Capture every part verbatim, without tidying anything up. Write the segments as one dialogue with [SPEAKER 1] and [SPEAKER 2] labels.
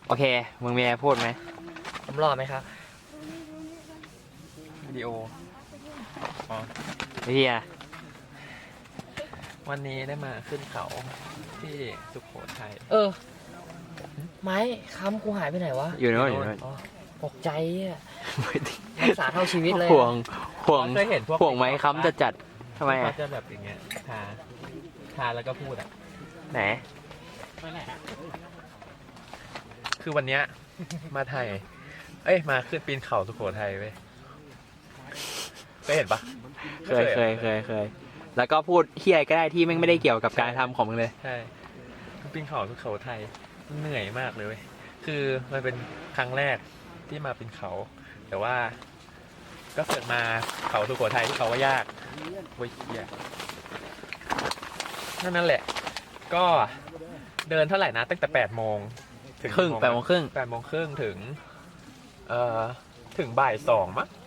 [SPEAKER 1] โอเคมึงมีอะไรพูดไหม
[SPEAKER 2] ผมรอไหมครับ
[SPEAKER 3] วิดีโออ๋อ
[SPEAKER 1] เฮีย
[SPEAKER 3] วันนี้ได้มาขึ้นเขาที่สุโขทัย
[SPEAKER 2] เออไม้ค้ำกูหายไปไหนวะ
[SPEAKER 1] อยู่โน่นอยู่โน่น
[SPEAKER 2] ตกใจอ่ะรักษาเท่าชีวิตเลย
[SPEAKER 1] ห่วงห่วง
[SPEAKER 3] เคยเห็นพวก
[SPEAKER 1] ห่วงไหมค้ำจะจัดทำไมอ่ะ
[SPEAKER 3] เขาจะแบบอย่างเงี้ยทาทาแล้วก็พูดอ่ะ
[SPEAKER 1] ไหน
[SPEAKER 3] คือวันเนี้ยมาไทยเอ้ยมาขึ้นปีนเขาสุโขทัยเว้ยเคยเห็นปะ
[SPEAKER 1] เคยเคยเคยเคยแล้วก็พูดเฮียก็ได้ที่ไม่ได้เกี่ยวกับการทำของมึงเลย
[SPEAKER 3] ใช่ปีนเขาสุโขทัยเหนื่อยมากเลยเว้ยคือมันเป็นครั้งแรกที่มาปีนเขาแต่ว่าก็เกิดมาเขาสุโขทัยที่เขาว่ายากเว้ยเฮียนั่นนั่นแหละก็เดินเท่าไหร่นะตั้งแต่แปดโมง
[SPEAKER 1] ถึงครึ่งแปดโมงครึ่ง
[SPEAKER 3] แปดโมงครึ่งถึงเอ่อถึงบ่ายสองมั้ง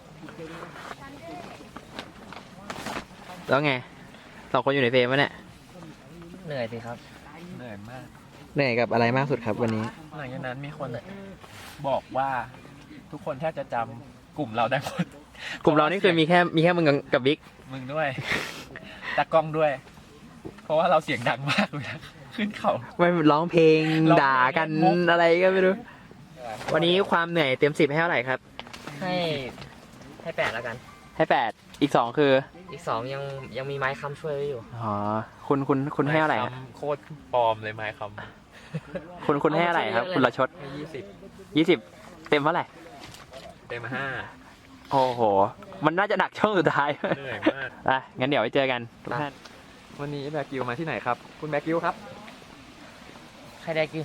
[SPEAKER 1] แล้วไงสองคนอยู่ในเฟรมวะเนี่ย
[SPEAKER 2] เหนื่อยสิครับ
[SPEAKER 3] เหนื่อยมาก
[SPEAKER 1] เหนื่อยกับอะไรมากสุดครับวันนี้
[SPEAKER 3] หลังจากนั้นมีคนบอกว่าทุกคนแทบจะจำกลุ่มเราได้หมด
[SPEAKER 1] กลุ่มเรานี่คือมีแค่มีแค่มึงกับบิ๊ก
[SPEAKER 3] มึงด้วยตากล้องด้วย เพราะว่าเราเสียงดังมากเลยนะขึ้นเขา
[SPEAKER 1] ไม่ร้องเพลงด่ากันอะไรก็ไม่รู้วันนี้ความเหนื่อยเต็มสิบให้เท่าไหร่ครับ
[SPEAKER 2] ให้ให้แปดแล้วกัน
[SPEAKER 1] ให้แปดอีกสองคือ
[SPEAKER 2] อีกสองยังยังมีไม้ค้ำช่วยไว้อยู่
[SPEAKER 1] อ๋อคุณคุณคุณให้เท่าไหร่
[SPEAKER 3] โคตรปลอมเลยไม้ค้
[SPEAKER 1] ำคุณคุณให้เท่าไหร่ครับคุณละชด
[SPEAKER 3] ยี่สิบ
[SPEAKER 1] ยี่สิบเต็มเท่าไหร่
[SPEAKER 3] เต็มห้า
[SPEAKER 1] โอ้โหมันน่าจะหนักช่วงสุดท้าย
[SPEAKER 3] เหนื่อยมาก
[SPEAKER 1] อ่ะงั้นเดี๋ยวไปเจอกันทุกท่าน
[SPEAKER 3] วันนี้แบกิวมาที่ไหนครับคุณแบกิวครับ
[SPEAKER 2] ใครได้กิว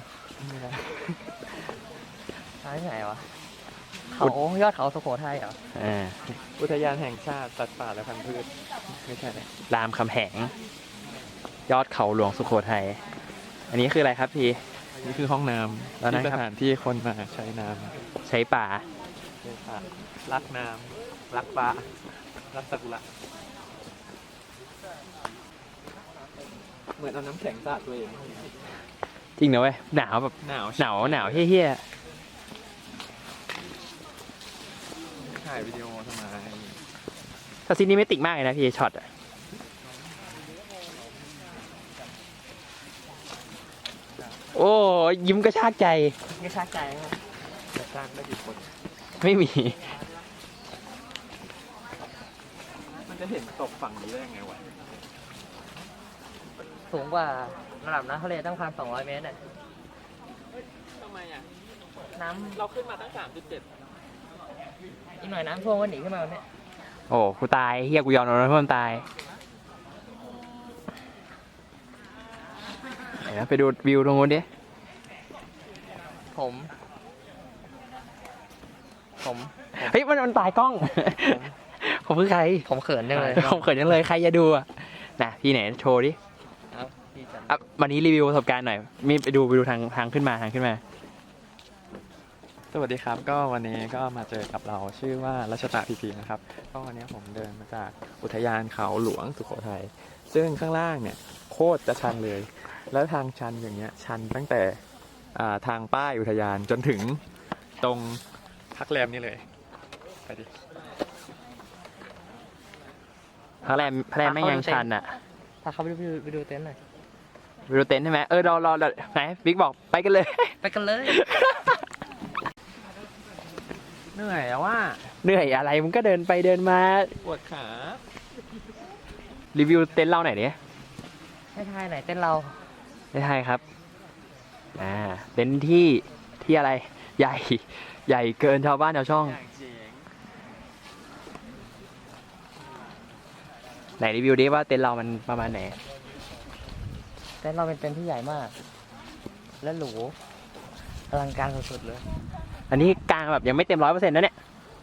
[SPEAKER 2] มาที่ไหนวะเขายอดเขาสุโขทัยเหรอ
[SPEAKER 1] อ่า
[SPEAKER 3] อุทยานแห่งชาติสัตว์ป่าและพันธุ์พืชไม่ใช่เลย
[SPEAKER 1] รามคำแหงยอดเขาหลวงสุโขทัยอันนี้คืออะไรครับพี่
[SPEAKER 3] นี่คือห้องน้ำที่สถานที่คนมาใช้น้
[SPEAKER 1] ำใช้ป่า
[SPEAKER 3] ใช้ป่ารักน้ำรักป่ารักซากุระเหมือนเอาน้ำแข็งสาดตัวเอง
[SPEAKER 1] จริงนะเว้ยหนาวแบบ
[SPEAKER 3] หนาว
[SPEAKER 1] หนาวหนาวเฮี้ย
[SPEAKER 3] ถ่ายวิดีโอทำไม
[SPEAKER 1] ถ้าซีนี้ไม่ติดมากเลยนะพี่ช็อตอะโอ้ยิ้มกระชากใจ
[SPEAKER 2] กระชากใจครับ
[SPEAKER 3] กระชากได้กี่คน
[SPEAKER 1] ไม่มี
[SPEAKER 3] มันจะเห็นตกฝั่งนี้ได้ไงวะ
[SPEAKER 2] สูงกว่าระดับน้ำทะเลตั้งพันสองร้อยเมตรเนี่ย
[SPEAKER 3] ทำไมอ่ะ
[SPEAKER 2] น้ำ
[SPEAKER 3] เราขึ้นมาตั้งสามจุดเจ็ด
[SPEAKER 2] อีกหน่อยน้ำท่วมก็หนีขึ้นมาเนี่ย
[SPEAKER 1] โอ้กูตายเฮียกูยอมน้ำท่วมตายไหนนะไปดูวิวตรงนู้นดิ
[SPEAKER 2] ผมผม
[SPEAKER 1] เฮ้ยมันมันตายกล้องผมคือใคร
[SPEAKER 2] ผมเขินจังเลย
[SPEAKER 1] ผมเขินจังเลยใครจะดูอ่ะนะพี่ไหนโชว์ดิอ่ะวันนี้รีวิวประสบการณ์หน่อยมีไปดูไปดูทางทางขึ้นมาทางขึ้นมา
[SPEAKER 3] สวัสดีครับก็วันนี้ก็มาเจอกับเราชื่อว่ารัชตะพีพีนะครับก็วันนี้ผมเดินมาจากอุทยานเขาหลวงสุโขทัยซึ่งข้างล่างเนี่ยโคตรจะชันเลยแล้วทางชันอย่างเงี้ยชันตั้งแต่ทางป้ายอุทยานจนถึงตรงพักแรมนี่เลยไปดิ
[SPEAKER 1] พักแรมพักแรมไม่ยังชันอ่ะ
[SPEAKER 2] พาเขาไปดูไปดูเต็นท์หน่อย
[SPEAKER 1] ไปดูเต็นท์ใช่ไหมเออรอรอไหนบิ๊กบอกไปกันเลย
[SPEAKER 2] ไปกันเลย
[SPEAKER 3] เหนื่อยอะว่า
[SPEAKER 1] เหนื่อยอะไรมึงก็เดินไปเดินมา
[SPEAKER 3] ปวดขา
[SPEAKER 1] รีวิวเต็นท์เราหน่อยดิ
[SPEAKER 2] ให้ทายไหนเต็นท์เรา
[SPEAKER 1] ให้ทายครับอ่าเต็นท์ที่ที่อะไรใหญ่ใหญ่เกินชาวบ้านชาวช่องไหนรีวิวดิว่าเต็นท์เรามันประมาณไหน
[SPEAKER 2] เต็นท์เราเป็นเต็นท์ที่ใหญ่มากและหรูอลังการสุดๆเลย
[SPEAKER 1] อันนี้กลางแบบยังไม่เต็มร้อยเปอร์เซ็นต์นะเนี่ย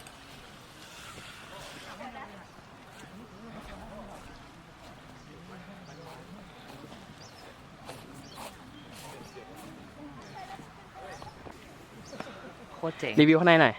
[SPEAKER 2] โคตรเจ๋ง
[SPEAKER 1] รีวิวข้างในหน่อย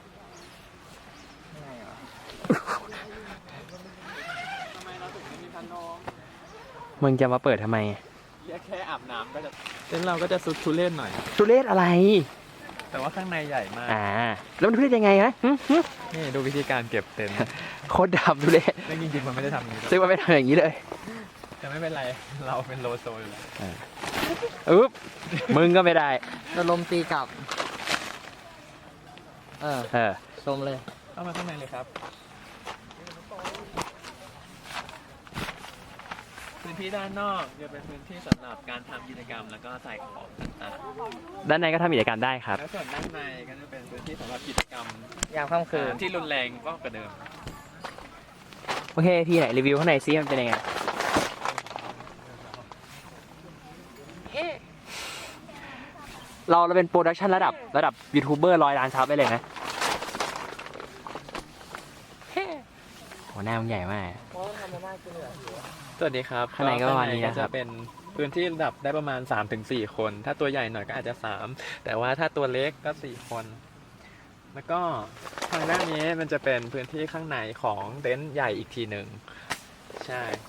[SPEAKER 1] มึงจะมาเปิดทำไม
[SPEAKER 3] แค่อาบน้ำก็จะเต็นท์เราก็จะสุดทุเรศหน่อย
[SPEAKER 1] ทุเรศอะไร
[SPEAKER 3] แต่ว่าข้างในใหญ่มาก
[SPEAKER 1] อ่า แล้วมันขึ้นยังไงนะหึหึ
[SPEAKER 3] นี่ดูวิธีการเก็บเต็นท์
[SPEAKER 1] โคตรดำดูเลย
[SPEAKER 3] ซึ่งจริงๆมันไม่ได้ทำอย่างนี้หรอก
[SPEAKER 1] ซึ่งมันไม่ทำอย่างนี้เลย
[SPEAKER 3] แต่ไม่เป็นไร เราเป็นโลโซอยู่แล้ว
[SPEAKER 1] อึ๊บมึงก็ไม่ได้
[SPEAKER 2] โดนลมตีกลับ เออ
[SPEAKER 1] เออ
[SPEAKER 2] ชมเลย
[SPEAKER 3] เข้ามาข้างในเลยครับ พื้นที่ด้านนอกจะเป็นพื้นที่สำหรับการทำกิจกรรมแล้วก็ใส่ของต่าง
[SPEAKER 1] ด้านในก็ทำกิจกรรมได้ค
[SPEAKER 3] ๆ
[SPEAKER 1] รับ
[SPEAKER 3] แล้วส่วนด้านในก็จะเป็นพื้นที่สำหรับกิจกรรม
[SPEAKER 2] ยามค่ำคืน
[SPEAKER 3] ที่รุนแรงก็กว่าเดิม
[SPEAKER 1] โอเค พี่ไหนรีวิวข้างในซิมันเป็นยังไง เราเราเป็นโปรดักชันระดับระดับยูทูบเบอร์ร้อยล้านซับไปเลยนะโหหน้ามันใหญ่มาก
[SPEAKER 3] สวัสดีครับ
[SPEAKER 1] ข้างในก็ประมาณนี้นะครับ
[SPEAKER 3] ข้างใก็จะเป็นพื้นที่ระดับได้ประมาณ สามถึงสี่ คน ถ้าตัวใหญ่หน่อยก็อาจจะสามแต่ว่าถ้าตัวเล็กก็สี่คน แล้วก็ทางด้านนี้มันจะเป็นพื้นที่ข้างในของเต็นท์ใหญ่อีกทีหนึ่งใช่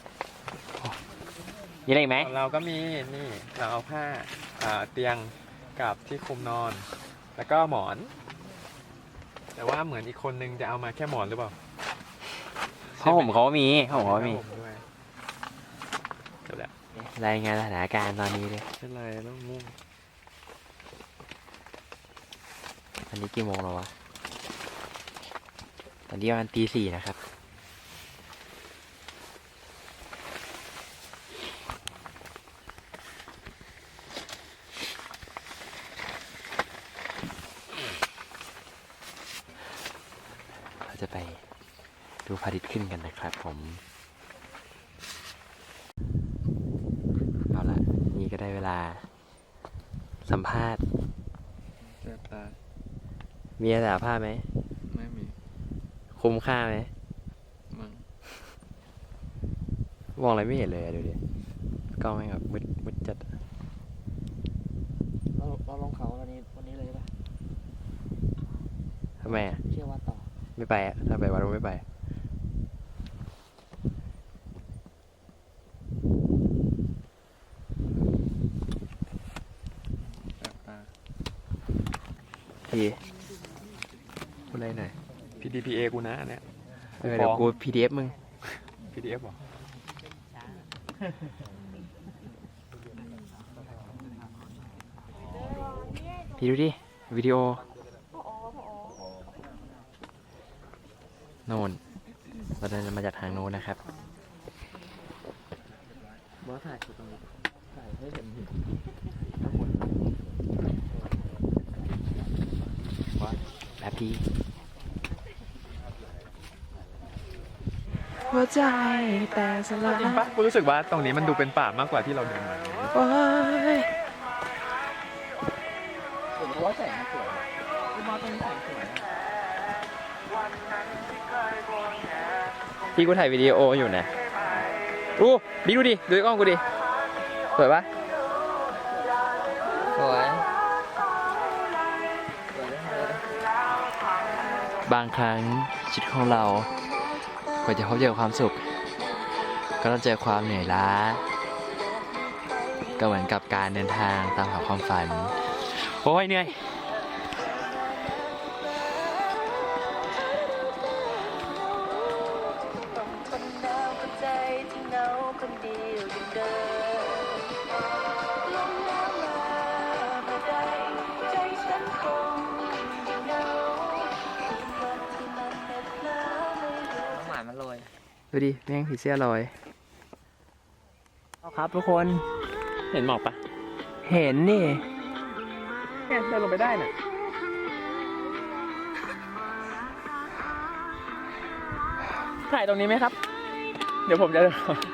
[SPEAKER 1] มีอะไรอีกไหม
[SPEAKER 3] ของเราก็มีนี่เราเอาผ้าอ่าเตียงกับที่คลุมนอน แล้วก็หมอน แต่ว่าเหมือนอีกคนนึงจะเอามาแค่หมอนหรือเปล่า
[SPEAKER 1] ห้องผมเขาก็มีห้องผมเขาก็มี
[SPEAKER 3] ผ้าห่ด้วยเดี๋ยวแหละ
[SPEAKER 1] รายงานสถานการณ์ตอนนี้เลย
[SPEAKER 3] เป็นไรต้องมุ่ง
[SPEAKER 1] อันนี้กี่โมงแล้ววะ ตอนนี้ประมาณตีสี่นะครับ เราจะไปดูพระอาทิตย์ขึ้นกันนะครับผม เอาละนี่ก็ได้เวลา สัมภาษณ์
[SPEAKER 3] เจ็บตา
[SPEAKER 1] มีอะไรสัมภาษณ์ไหม
[SPEAKER 3] ไม่มี
[SPEAKER 1] คุ้มค่าไหม
[SPEAKER 3] มึง
[SPEAKER 1] มองอะไรไม่เห็นเลยอะดูดิกล้องแม่งแบบมืดมืดจัด
[SPEAKER 2] เราเราลงเขาวันนี้วันนี้เลยป่ะ
[SPEAKER 1] ทำไมอ่ะ
[SPEAKER 2] เชื่อว่าต่อ
[SPEAKER 1] ไม่ไปอ่ะ ถ้าไปวัดก็ไม่ไป
[SPEAKER 3] เจ็บตา
[SPEAKER 1] พี่พูดอะไรหน่อย
[SPEAKER 3] พี ดี พี เอ กูนะอันเนี่ย
[SPEAKER 1] เออเดี๋ยวกู พี ดี เอฟ มึง
[SPEAKER 3] พี ดี เอฟ หรอ
[SPEAKER 1] พี่ดูดิ วิดีโอ โน่น เราเดินมาจากทางโน้นนะครับ
[SPEAKER 2] บอสถ่ายตรงนี้ถ่ายให้เห็น
[SPEAKER 1] แบบพี่หัวใจแต่สลาย
[SPEAKER 3] จริงปะกูรู้สึกว่าตรงนี้มันดูเป็นป่ามากกว่าที่เราเดินมา
[SPEAKER 1] โอ้ย
[SPEAKER 2] ผมว่าแสงสวยบอสตรงนี้แสงสวย
[SPEAKER 1] พี่กูถ่ายวิดีโออยู่นะอู้บิ๊กดูดิ ดูกล้องกูดิ สวยปะ
[SPEAKER 2] สวย
[SPEAKER 1] บางครั้งชีวิตของเรากว่าจะพบเจอความสุข ก็ต้องเจอความเหนื่อยล้า ก็เหมือนกับการเดินทางตามหาความฝัน โอ้ยเหนื่อย
[SPEAKER 2] หมามันลอย
[SPEAKER 1] ดูดิ แม่งผีเสื้อลอยเอาครับทุกคน
[SPEAKER 3] เห็นหมอกปะ
[SPEAKER 1] เห็นนี่
[SPEAKER 3] เนี่ยเดินลงไปได้น่ะถ่ายตรงนี้ไหมครับ เดี๋ยวผมจะ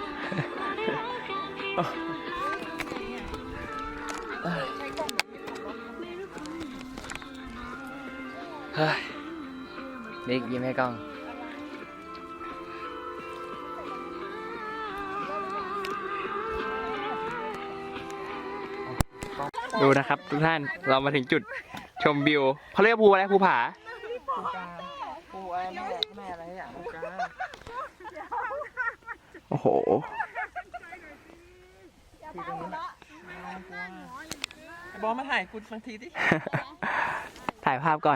[SPEAKER 1] เฮ้ย
[SPEAKER 2] บิ๊กยิ้มให้กล้อง
[SPEAKER 1] ดูนะครับทุกท่าน เรามาถึงจุดชมวิวเขาเรียกภูอะไรภูผา
[SPEAKER 2] ปูกาปูอะไรแม่แม่อะไรอย่างปูกา
[SPEAKER 1] โอ้โห
[SPEAKER 2] ที่ตรงนี้
[SPEAKER 3] บอสมาถ่ายกูบางทีดิ
[SPEAKER 1] ถ่ายภาพก่อน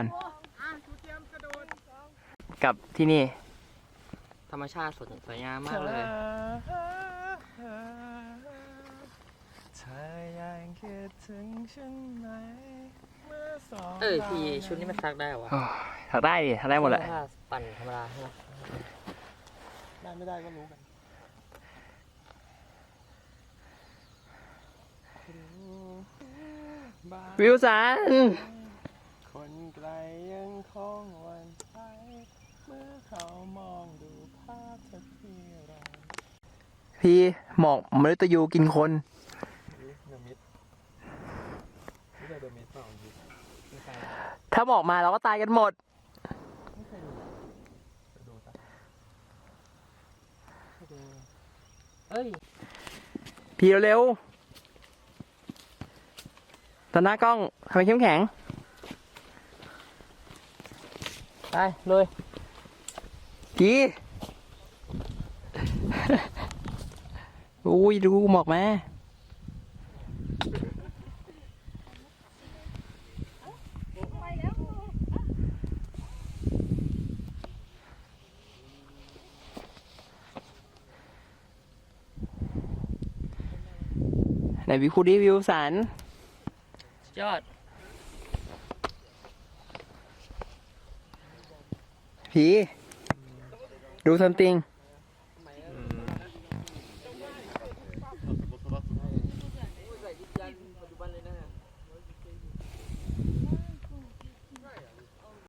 [SPEAKER 1] กับที่นี่
[SPEAKER 2] ธรรมชาติสดสวยงามมากเลย
[SPEAKER 3] เธอยังคิดถึงฉันไหมเมื่อสอง
[SPEAKER 2] เอ้ยพี่ชุดนี้มันซักได้เหรอวะ
[SPEAKER 1] โอ้ยถักได้ดิถักได้หมดแหละ
[SPEAKER 2] ถ้าปั่นธรรมดาใช่ไหม
[SPEAKER 3] ได้ไม่ได้ก็รู้กัน
[SPEAKER 1] วิวสัน
[SPEAKER 3] คนไกลยังคงหวันไหวเมื่อเขามองดูภาพเธอที่เรา
[SPEAKER 1] พี่หมอกมฤตยูกินคน
[SPEAKER 3] เดอะมิดไม่ใช่เดอะมิดเปล่ามิดไม่ใช่
[SPEAKER 1] ถ้าหมอกมาเราก็ตายกันหมด
[SPEAKER 3] ไม่เคยดูไปดูซะไปดู
[SPEAKER 2] เอ้ย
[SPEAKER 1] พี่เร็วๆตอนหน้ากล้องทำไมเข้มแข็ง
[SPEAKER 2] ไปเลย
[SPEAKER 1] พี่ อุ้ยดูหมอกมาไหนวิวคูดีวิวสัน
[SPEAKER 2] ยอด
[SPEAKER 1] พี่ ดูซัมติง